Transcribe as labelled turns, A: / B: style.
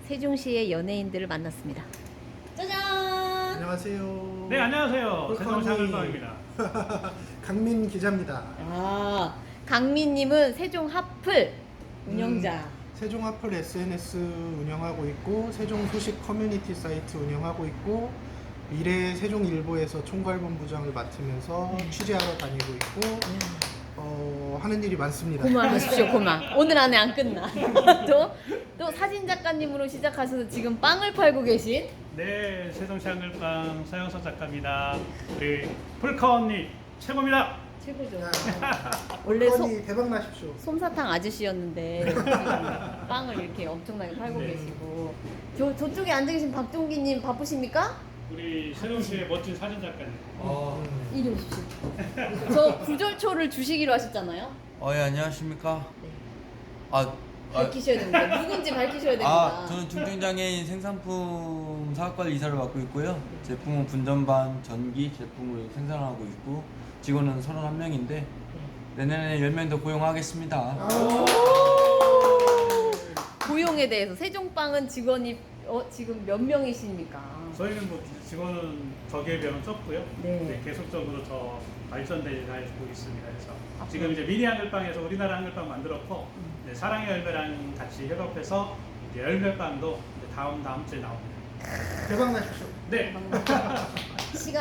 A: 세종시의 연예인들을 만났습니다. 짜잔!
B: 안녕하세요.
C: 네, 안녕하세요.
B: 폴커니.
C: 세종샤을방입니다.
B: 강민 기자입니다.
A: 아, 강민님은 세종 하플 운영자.
B: 세종 하플 SNS 운영하고 있고, 세종 소식 커뮤니티 사이트 운영하고 있고, 미래 세종일보에서 총괄본부장을 맡으면서 취재하러 다니고 있고, 하는 일이 많습니다.
A: 고만하십시오, 고만. 오늘 안에 안 끝나. 또 사진 작가님으로 시작하셔서 지금 빵을 팔고 계신
C: 네, 세종샤을방 서영석 작가입니다. 우리 폴카 언니 최고입니다.
A: 최고죠.
B: 야,
A: 원래
B: 폴커니 대박 나십시오.
A: 솜사탕 아저씨였는데 지금 빵을 이렇게 엄청나게 팔고
C: 네.
A: 계시고 저쪽에 앉아 계신 박종기님 바쁘십니까?
C: 우리 세종시의 멋진 사진 작가님.
A: 이리 오십시오. 저 구절초를 주시기로 하셨잖아요.
D: 예, 안녕하십니까?
A: 네.
D: 아,
A: 밝히셔야 됩니다. 누군지 밝히셔야 됩니다.
D: 저는 중증장애인 생산품 사업관리 이사를 맡고 있고요. 제품은 분전반, 전기 제품을 생산하고 있고 직원은 31명인데 내년에 10명 더 고용하겠습니다.
A: 고용에 대해서 세종빵은 직원이 지금 몇 명이십니까?
C: 저희는 뭐 직원은 저기에 비하면 적고요.
A: 네.
C: 계속적으로 더 발전되고 있습니다. 그래서
A: 앞으로.
C: 지금 이제 미니 한글빵에서 우리나라 한글빵 만들었고 이제 사랑의 열매랑 같이 협업해서 이제 열매빵도 이제 다음 주에 나옵니다.
B: 대박 나십시오.
C: 네.
A: 시간